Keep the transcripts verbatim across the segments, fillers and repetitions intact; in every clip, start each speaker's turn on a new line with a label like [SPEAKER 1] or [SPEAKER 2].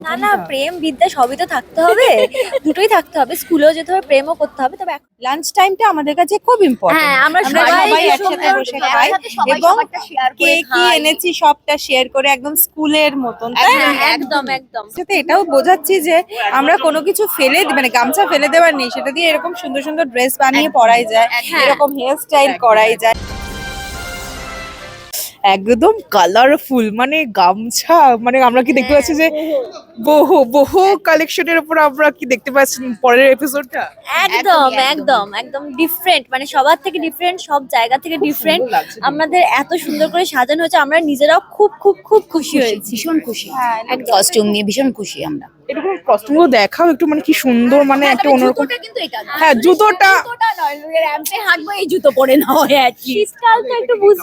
[SPEAKER 1] না না, প্রেম বিদ্যা সবই তো থাকতে হবে, দুটোই থাকতে হবে, স্কুলেও যেতে হবে, প্রেমও করতে হবে। তবে এখন-
[SPEAKER 2] লাঞ্চ টাইমটা আমাদের কাছে খুব ইম্পর্টেন্ট।
[SPEAKER 1] হ্যাঁ, আমরা
[SPEAKER 2] আমরা
[SPEAKER 1] সবাই
[SPEAKER 2] সবাই
[SPEAKER 1] সুন্দর
[SPEAKER 2] একসাথে বসে
[SPEAKER 1] করে
[SPEAKER 2] খাই
[SPEAKER 1] একসাথে সবাই
[SPEAKER 2] এবং
[SPEAKER 1] সবারটা share
[SPEAKER 2] কে
[SPEAKER 1] করে
[SPEAKER 2] কি
[SPEAKER 1] খাই।
[SPEAKER 2] এনেছি সবটা শেয়ার করে একদম স্কুলের মতন, তাই না?
[SPEAKER 1] হ্যাঁ, একদম একদম।
[SPEAKER 2] সাথে এটাও বোঝাচ্ছি যে আমরা কোনো কিছু ফেলে দি- মানে গামছা ফেলে দেওয়ার নেই, সেটা দিয়ে এরকম সুন্দর সুন্দর ড্রেস বানিয়ে পরাই যায়,
[SPEAKER 1] একদম।
[SPEAKER 2] এরকম হেয়ার স্টাইল করাই যায়। একদম কালারফুল, মানে গামছা, মানে আমরা কি দেখতে পাচ্ছি যে বহু বহু কালেকশনের উপর আমরা কি দেখতে পাচ্ছি পরের এপিসোডটা।
[SPEAKER 1] একদম একদম একদম ডিফারেন্ট, মানে সবার থেকে ডিফারেন্ট, সব জায়গা থেকে ডিফারেন্ট।
[SPEAKER 2] সুন্দর লাগছে।
[SPEAKER 1] আমাদের এত সুন্দর করে সাজানো হয়েছে, আমরা নিজেরাও খুব খুব খুব খুশি হয়েছি।
[SPEAKER 3] ভীষণ খুশি
[SPEAKER 2] হ্যাঁ,
[SPEAKER 3] কস্টিউম নিয়ে ভীষণ খুশি আমরা।
[SPEAKER 2] এরকম কস্টিউমগুলো দেখাও একটু, মানে কি সুন্দর, মানে একটা অন্যরকম।
[SPEAKER 3] জুতোটা কিন্তু এটা না।
[SPEAKER 2] হ্যাঁ, জুতোটা
[SPEAKER 3] জুতোটা নয়, র্যাম্পে হাঁটবো এই জুতো পরে না হয় আর কি।
[SPEAKER 1] শীতকাল তো একটু বুঝ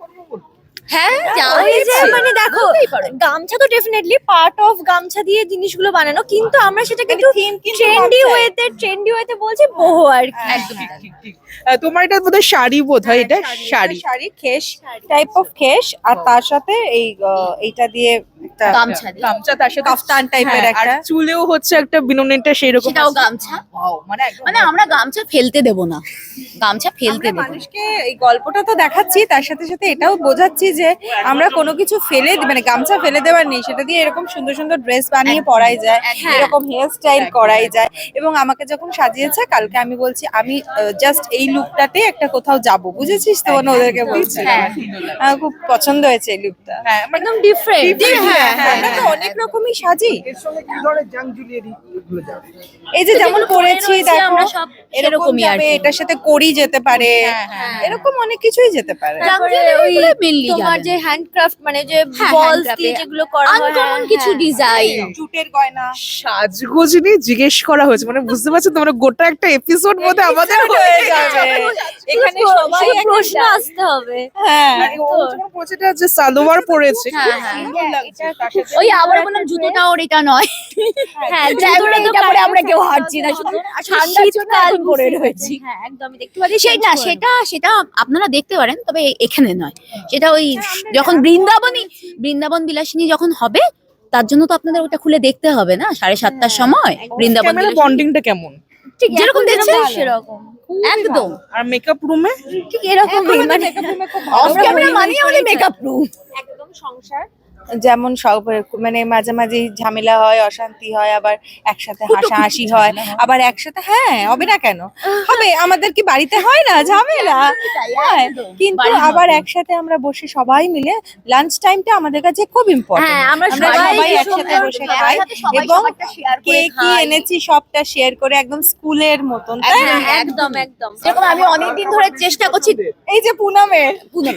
[SPEAKER 3] হ্যাঁ
[SPEAKER 1] ওই যে মানে দেখো, গামছা তো ডেফিনেটলি পার্ট অফ গামছা দিয়ে জিনিসগুলো বানানো, কিন্তু আমরা সেটাকে একটু ট্রেন্ডি ওয়েতে ট্রেন্ডি ওয়েতে বলছি বহু আর কি।
[SPEAKER 3] একদম
[SPEAKER 2] ঠিক ঠিক। আহ, তোমার এটা বোধহয় শাড়ি, বোধ হয় এটা শাড়ি, শাড়ি খেস টাইপ অফ খেস, আর তার সাথে এই আহ, এইটা দিয়ে একটা
[SPEAKER 3] গামছা দিয়ে।
[SPEAKER 2] গামছা, তার সাথে কাফতান টাইপের
[SPEAKER 3] হ্যাঁ,
[SPEAKER 2] একটা, চুলেও হচ্ছে একটা বিনুনিটা সেই রকম।
[SPEAKER 3] সেটাও গামছা।
[SPEAKER 2] মানে একদম
[SPEAKER 3] মানে আমরা গামছা ফেলতে দেব না, গামছা ফেলতে
[SPEAKER 2] আমরা
[SPEAKER 3] দেব না।
[SPEAKER 2] মানুষকে এই গল্পটা তো দেখাচ্ছি, তার সাথে সাথে এটাও বোঝাচ্ছি যে আমরা কোনো কিছু ফেলে দি- মানে গামছা ফেলে দেওয়ার নেই, সেটা দিয়ে এরকম সুন্দর সুন্দর ড্রেস বানিয়ে পরাই যায়, এরকম হেয়ার স্টাইল করাই যায়। এবং আমাকে যখন সাজিয়েছে কালকে, আমি বলছি আমি জাস্ট এই লুকটাতে একটা কোথাও যাব, বুঝেছিস তো, মানে ওদেরকে বলছি
[SPEAKER 3] হ্যাঁ।
[SPEAKER 2] আমার খুব পছন্দ হয়েছে এই লুকটা। হ্যাঁ,
[SPEAKER 1] একদম ডিফারেন্ট।
[SPEAKER 2] হ্যাঁ হ্যাঁ, আমরা তো অনেক রকমই সাজি,
[SPEAKER 4] এর সঙ্গে কি ধরনের জাং ঝুলিয়ে দিই এগুলো যাবে।
[SPEAKER 2] এই যে যেমন পরেছি
[SPEAKER 1] রয়েছে
[SPEAKER 2] দেখো,
[SPEAKER 1] আমরা সব
[SPEAKER 2] এরকম
[SPEAKER 3] সেরকমই আর
[SPEAKER 2] যাবে,
[SPEAKER 3] কি।
[SPEAKER 2] এটার সাথে করি যেতে পারে, এরকম অনেক কিছুই যেতে পারে।
[SPEAKER 1] তারপরে
[SPEAKER 3] জামজুয়েলারি
[SPEAKER 1] ওই
[SPEAKER 3] গুলো mainly
[SPEAKER 1] তোমার
[SPEAKER 3] যাবে
[SPEAKER 1] যে হ্যান্ডক্রাফট, মানে যে
[SPEAKER 3] হ্যাঁ,
[SPEAKER 1] বলস
[SPEAKER 3] handcraft
[SPEAKER 1] দিয়ে
[SPEAKER 3] এ
[SPEAKER 1] যেগুলো করা হয়,
[SPEAKER 3] আনকমন
[SPEAKER 1] হ্যাঁ,
[SPEAKER 3] কিছু
[SPEAKER 1] হ্যাঁ।
[SPEAKER 3] ডিজাইন।
[SPEAKER 2] জুটের গয়না, সাজগোজ নিয়ে জিজ্ঞেস করা হয়েছে, মানে বুঝতে পারছো তোমরা, গোটা একটা এপিসোড মধ্যে আমাদের হয়ে যাবে এখানে, সবাই
[SPEAKER 1] শুধু
[SPEAKER 2] একটা
[SPEAKER 1] প্রশ্ন
[SPEAKER 2] ডাল।
[SPEAKER 1] আসতে হবে।
[SPEAKER 2] হ্যাঁ, মানে ও যখন পড়ছে এটা যে সালোয়ার পরেছে,
[SPEAKER 3] হ্যাঁ,
[SPEAKER 2] খুব
[SPEAKER 3] হ্যাঁ।
[SPEAKER 2] সুন্দর লাগছে। তার সাথে
[SPEAKER 3] ওই আবার বললাম জুতোটা ওর এটা নয়।
[SPEAKER 1] হ্যাঁ,
[SPEAKER 3] জুতোটা
[SPEAKER 1] জুতোটা তো
[SPEAKER 3] এটা পরে
[SPEAKER 1] কাটতে
[SPEAKER 3] আমরা কেউ
[SPEAKER 1] থাকতে
[SPEAKER 3] হাঁটছি না,
[SPEAKER 1] হবে।
[SPEAKER 3] শুধু
[SPEAKER 1] আর
[SPEAKER 3] ঠান্ডার জন্য
[SPEAKER 1] শীতকাল
[SPEAKER 3] এখন পরে
[SPEAKER 1] বুঝতেই
[SPEAKER 3] রয়েছি।
[SPEAKER 1] পারছেন। হ্যাঁ, একদমই দেখতে পাচ্ছি
[SPEAKER 3] সেটা সেটা সেটা আপনারা দেখতে পারেন, তবে এখানে নয়। সেটা ওই যখন বৃন্দাবনী বৃন্দাবন বিলাসিনী যখন হবে, তার জন্য তো আপনাদের ওটা খুলে দেখতে হবে না সাড়ে সাতটার সময়। বৃন্দাবন
[SPEAKER 2] ক্যামেরা
[SPEAKER 3] বিলাসিনী।
[SPEAKER 2] বন্ডিংটা কেমন?
[SPEAKER 3] ঠিক যেরকম দেখছেন
[SPEAKER 1] সেরকম
[SPEAKER 3] একদম।
[SPEAKER 2] আর মেকআপ রুমে
[SPEAKER 1] ঠিক এরকমই, মানে
[SPEAKER 3] অফ
[SPEAKER 1] আমরা
[SPEAKER 3] ক্যামেরা
[SPEAKER 1] হই হই
[SPEAKER 3] মানে
[SPEAKER 1] করেই
[SPEAKER 3] আমাদের
[SPEAKER 1] থাকি।
[SPEAKER 3] Makeup room.
[SPEAKER 1] একদম সংসার।
[SPEAKER 2] যেমন সব মানে মাঝে মাঝে ঝামেলা হয়, অশান্তি হয়, আবার একসাথে হাসাহাসি হয়, আবার একসাথে, হ্যাঁ হবে না কেন, হবে, আমাদের কি বাড়িতে হয় না ঝামেলা? হ্যাঁ, কিন্তু
[SPEAKER 3] বাড়ির
[SPEAKER 2] আবার
[SPEAKER 3] মতো।
[SPEAKER 2] একসাথে আমরা বসে সবাই মিলে লাঞ্চ টাইমটা আমাদের কাছে খুব ইম্পর্টেন্ট।
[SPEAKER 1] হ্যাঁ, আমরা
[SPEAKER 2] আমরা
[SPEAKER 1] সবাই
[SPEAKER 2] সবাই একসাথে
[SPEAKER 1] সুন্দর
[SPEAKER 2] বসে
[SPEAKER 1] করে
[SPEAKER 2] খাই
[SPEAKER 1] একসাথে সবাই
[SPEAKER 2] এবং
[SPEAKER 1] সবারটা share
[SPEAKER 2] কে
[SPEAKER 1] করে
[SPEAKER 2] কি
[SPEAKER 1] খাই।
[SPEAKER 2] এনেছি সবটা শেয়ার করে একদম স্কুলের মতন, তাই না?
[SPEAKER 1] হ্যাঁ, একদম একদম।
[SPEAKER 3] যেরকম আমি অনেকদিন ধরে চেষ্টা করছি
[SPEAKER 2] এই যে পুনামের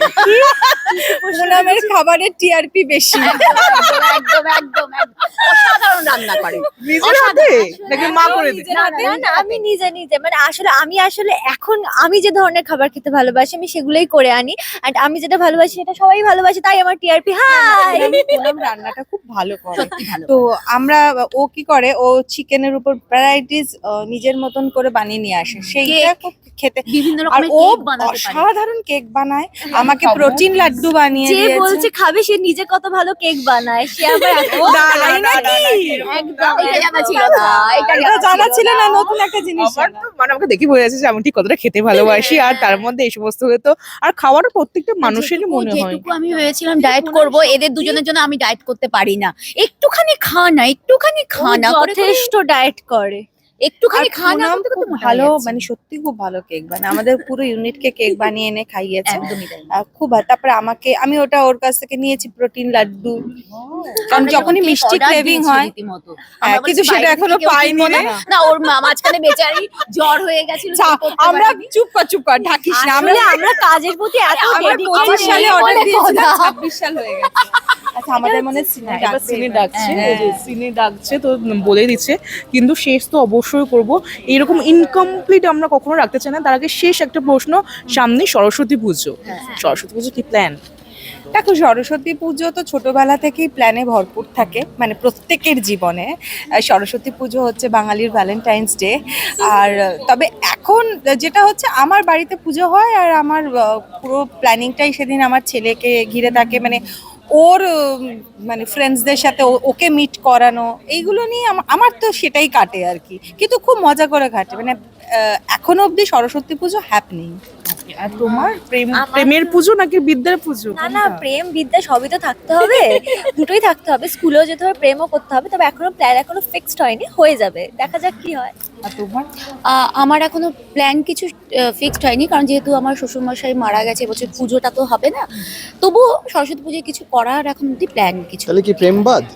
[SPEAKER 2] পুনামের খাবারের টিআরপি বেশি,
[SPEAKER 3] একদম একদম একদম অসাধারণ রান্না করে।
[SPEAKER 2] নিজের হাতে নাকি মা করে দিই?
[SPEAKER 1] না না না, আমি নিজে নিজে মানে আসলে আমি আসলে এখন আমি যে ধরনের খাবার খেতে ভালোবাসি আমি সেগুলোই করে আনি, এন্ড আমি যেটা ভালোবাসি সেটা সবাই ভালোবাসে, তাই আমার টিআরপি হাই।
[SPEAKER 2] পুনাম রান্নাটা খুব ভালো করে।
[SPEAKER 3] সত্যি ভালো।
[SPEAKER 2] তো আমরা, ও কি করে, ও চিকেনের উপর ভ্যারাইটিস নিজের মতন করে বানিয়ে নিয়ে আসে, সেইটা খুব খেতে,
[SPEAKER 3] বিভিন্ন
[SPEAKER 2] আর
[SPEAKER 3] রকমের
[SPEAKER 2] ও
[SPEAKER 3] কেক বানাতে পারে।
[SPEAKER 2] অসাধারণ কেক বানায়, আমাকে প্রোটিন লাড্ডু বানিয়ে
[SPEAKER 1] যে
[SPEAKER 2] দিয়েছে।
[SPEAKER 1] বলছে খাবে সে নিজে কত ভালো কেক বানায়, সে আবার এত
[SPEAKER 2] না, না,
[SPEAKER 1] তাই
[SPEAKER 2] না,
[SPEAKER 1] নাকি?
[SPEAKER 2] না, না,
[SPEAKER 1] একদম
[SPEAKER 3] এটা জানা ছিল না, এটা
[SPEAKER 2] এটা জানা ছিল না, নতুন একটা জিনিস
[SPEAKER 5] আমার
[SPEAKER 2] জানা।
[SPEAKER 5] তো মানে আমাকে দেখে বোঝা যাচ্ছে যে আমি ঠিক কতটা খেতে ভালোবাসি, আর তার মধ্যে এই সমস্ত হলে তো আর খাওয়াটা প্রত্যেকটা মানুষেরই
[SPEAKER 3] যেটুকু-
[SPEAKER 5] মনে হয়।
[SPEAKER 3] যেটুকু আমি ভেবেছিলাম ডায়েট করব, এদের দুজনের জন্য আমি ডায়েট করতে পারি না। একটুখানি খা না, একটুখানি
[SPEAKER 1] ও
[SPEAKER 3] খা না করে করে
[SPEAKER 1] যথেষ্ট ডায়েট করে।
[SPEAKER 3] একটুখানি
[SPEAKER 2] আর
[SPEAKER 3] খা না
[SPEAKER 2] পুনাম
[SPEAKER 3] করতে করতে
[SPEAKER 2] খুব
[SPEAKER 3] মোটা
[SPEAKER 2] ভালো,
[SPEAKER 3] হয়ে যাচ্ছে।
[SPEAKER 2] মানে সত্যি খুব ভালো কেক বানায়, আমাদের পুরো ইউনিটকে কেক বানিয়ে এনে খাইয়েছে।
[SPEAKER 3] একদমই তাই।
[SPEAKER 2] আহ, খুব ভালো। তারপরে আমাকে, আমি ওটা ওর কাছ থেকে নিয়েছি প্রোটিন লাড্ডু, কারণ
[SPEAKER 3] আমরা
[SPEAKER 2] যখনই
[SPEAKER 3] যখন
[SPEAKER 2] মিষ্টি
[SPEAKER 3] order
[SPEAKER 2] ক্রেভিং
[SPEAKER 3] দিয়েছি
[SPEAKER 2] হয়।
[SPEAKER 3] রীতিমতো।
[SPEAKER 2] হ্যাঁ,
[SPEAKER 3] আমরা
[SPEAKER 2] কিন্তু
[SPEAKER 3] বলেছি
[SPEAKER 2] সেটা
[SPEAKER 3] বাইরে
[SPEAKER 2] এখনো
[SPEAKER 3] থেকে কেউ
[SPEAKER 2] পাইনি
[SPEAKER 3] কিনবো না।
[SPEAKER 2] না।
[SPEAKER 3] না, ওর মা- মাঝখানে বেচারি জ্বর হয়ে গেছিল,
[SPEAKER 2] যা,
[SPEAKER 3] কিছু করতে
[SPEAKER 2] আমরা
[SPEAKER 3] পারেনি।
[SPEAKER 2] চুপ কর চুপ কর, ঢাকিস না, আমরা
[SPEAKER 1] আসলে আমরা কাজের প্রতি এত
[SPEAKER 2] আমরা
[SPEAKER 1] dedicated।
[SPEAKER 2] পঁচিশ সালে
[SPEAKER 3] বলে
[SPEAKER 2] অর্ডার দিয়েছিলাম,
[SPEAKER 3] কথা।
[SPEAKER 2] ছাব্বিশ সাল হয়ে গেছে। আচ্ছা, আমাদের মনে সিনে
[SPEAKER 5] হ্যাঁ, এবার সিনে ডাকছে,
[SPEAKER 2] হ্যাঁ।
[SPEAKER 5] এই যে সিনে ডাকছে তো বলে দিচ্ছে, কিন্তু শেষ তো অবশ্যই করব। এরকম ইনকমপ্লিট আমরা কখনো রাখতে চাই না। তার আগে শেষ একটা প্রশ্ন, সামনে সরস্বতী পুজো, সরস্বতী পুজো কি প্ল্যান?
[SPEAKER 2] দেখো, সরস্বতী পুজো তো ছোটবেলা থেকেই প্ল্যানে ভরপুর থাকে, মানে প্রত্যেকের জীবনে। আহ, সরস্বতী পুজো হচ্ছে বাঙালির ভ্যালেন্টাইন্স ডে। আর আহ, তবে এখন যেটা হচ্ছে, আমার বাড়িতে পুজো হয়, আর আমার আহ, পুরো প্ল্যানিংটাই সেদিন আমার ছেলেকে ঘিরে থাকে, মানে ওর উম, মানে ফ্রেন্ডসদের সাথে ও- ওকে মিট করানো, এইগুলো নিয়ে আম- আমার তো সেটাই কাটে আর কি, কিন্তু খুব মজা করে কাটে। মানে আহ, এখনো অবধি সরস্বতী পুজো হ্যাপনিং।
[SPEAKER 5] আর তোমার প্রেম
[SPEAKER 1] আমার
[SPEAKER 5] প্রেমের পুজো নাকি বিদ্যার পুজো?
[SPEAKER 1] না না, প্রেম বিদ্যা সবই তো থাকতে হবে, দুটোই থাকতে হবে, স্কুলেও যেতে হবে, প্রেমও করতে হবে, তবে এখনো প্ল্যান এখনো ফিক্সড হয়নি, হয়ে যাবে, দেখা যাক কি হয়।
[SPEAKER 5] আর তোমার?
[SPEAKER 3] আহ, আমার এখনো প্ল্যান কিছু ফিক্সড হয়নি, কারণ যেহেতু আমার শ্বশুরমশাই মারা গেছে, এবছর পুজোটা তো হবে না। তবুও সরস্বতী পুজোয় কিছু করার এখন অব্দি প্ল্যান কিছু।
[SPEAKER 6] তাহলে কি প্রেমবাদ?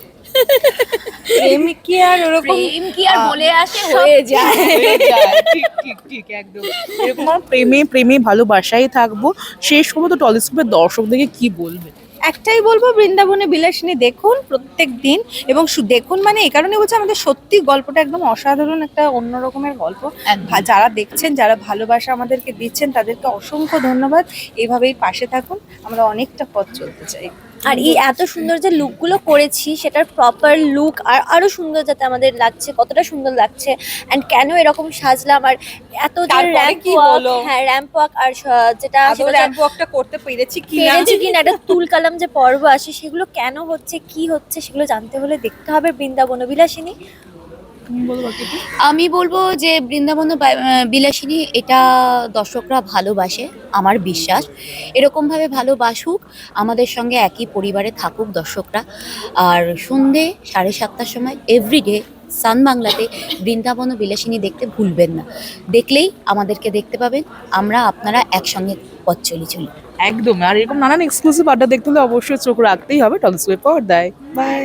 [SPEAKER 2] প্রেম কি আর ওরকম
[SPEAKER 3] প্রেম কি আর বলে আসে, হয়ে যায়।
[SPEAKER 5] হয়ে যায়, ঠিক ঠিক ঠিক একদম এরকম। আমার প্রেমে প্রেমে ভালোবাসাই থাকবো। শেষ করবো তো টলিস্কোপের দর্শকদেরকে কি বলবে?
[SPEAKER 2] একটাই বলবো, বৃন্দাবনে বিলাসিনী দেখুন প্রত্যেক দিন, এবং শু- দেখুন মানে এই কারণে বলছি, আমাদের সত্যি গল্পটা একদম অসাধারণ, একটা অন্য রকমের গল্প।
[SPEAKER 3] একদম।
[SPEAKER 2] ভা- যারা দেখছেন, যারা ভালোবাসা আমাদেরকে দিচ্ছেন, তাদেরকে অসংখ্য ধন্যবাদ। এইভাবেই পাশে থাকুন, আমরা অনেকটা পথ চলতে চাই।
[SPEAKER 1] আর এই এত সুন্দর যে লুকগুলো করেছি, সেটার প্রপার লুক আর আরো সুন্দর যাতে আমাদের লাগছে, কতটা সুন্দর লাগছে, এন্ড কেন এরকম সাজলাম, আর এত যে
[SPEAKER 2] তারপরে
[SPEAKER 1] র্যাম্প
[SPEAKER 2] কি
[SPEAKER 1] ওয়াক,
[SPEAKER 2] বলো?
[SPEAKER 1] হ্যাঁ র্যাম্প ওয়াক, আর স- যেটা
[SPEAKER 2] আদৌ
[SPEAKER 1] সেটা
[SPEAKER 2] র্যাম্প ওয়াকটা করতে পেরেছি কি না,
[SPEAKER 1] পেরেছি কিনা, একটা তুল কালাম যে পর্ব আসে, সেগুলো কেন হচ্ছে, কি হচ্ছে, সেগুলো জানতে হলে দেখতে হবে বৃন্দাবন বিলাসিনী।
[SPEAKER 5] তুমি বলো বাকি।
[SPEAKER 3] আমি বলবো যে বৃন্দাবন বা- আহ, বিলাসিনী এটা দর্শকরা ভালোবাসে, আমার বিশ্বাস। এরকমভাবে ভালোবাসুক, আমাদের সঙ্গে একই পরিবারে থাকুক দর্শকরা। আর সন্ধে সাড়ে সাতটার সময় এভরিডে সান বাংলাতে বৃন্দাবন ও বিলাসিনী দেখতে ভুলবেন না। দেখলেই আমাদেরকে দেখতে পাবেন, আমরা আপনারা একসঙ্গে পথ চলি চলি।
[SPEAKER 5] একদম। আর এরকম নানান এক্সক্লুসিভ আড্ডা দেখতে হলে অবশ্যই চোখ রাখতেই হবে টলিস্কোপের পর্দায়। বাই।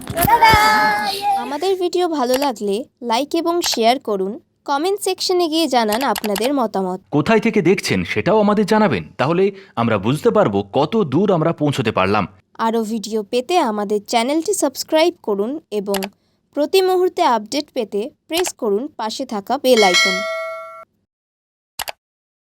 [SPEAKER 7] আমাদের ভিডিও ভালো লাগলে লাইক এবং শেয়ার করুন, কমেন্ট সেকশনে গিয়ে জানান আপনাদের মতামত।
[SPEAKER 8] কোথায় থেকে দেখছেন সেটাও আমাদের জানাবেন, তাহলে আমরা বুঝতে পারবো কত দূর আমরা পৌঁছতে পারলাম।
[SPEAKER 7] আরও ভিডিও পেতে আমাদের চ্যানেলটি সাবস্ক্রাইব করুন এবং প্রতি মুহূর্তে আপডেট পেতে প্রেস করুন পাশে থাকা বেল আইকন।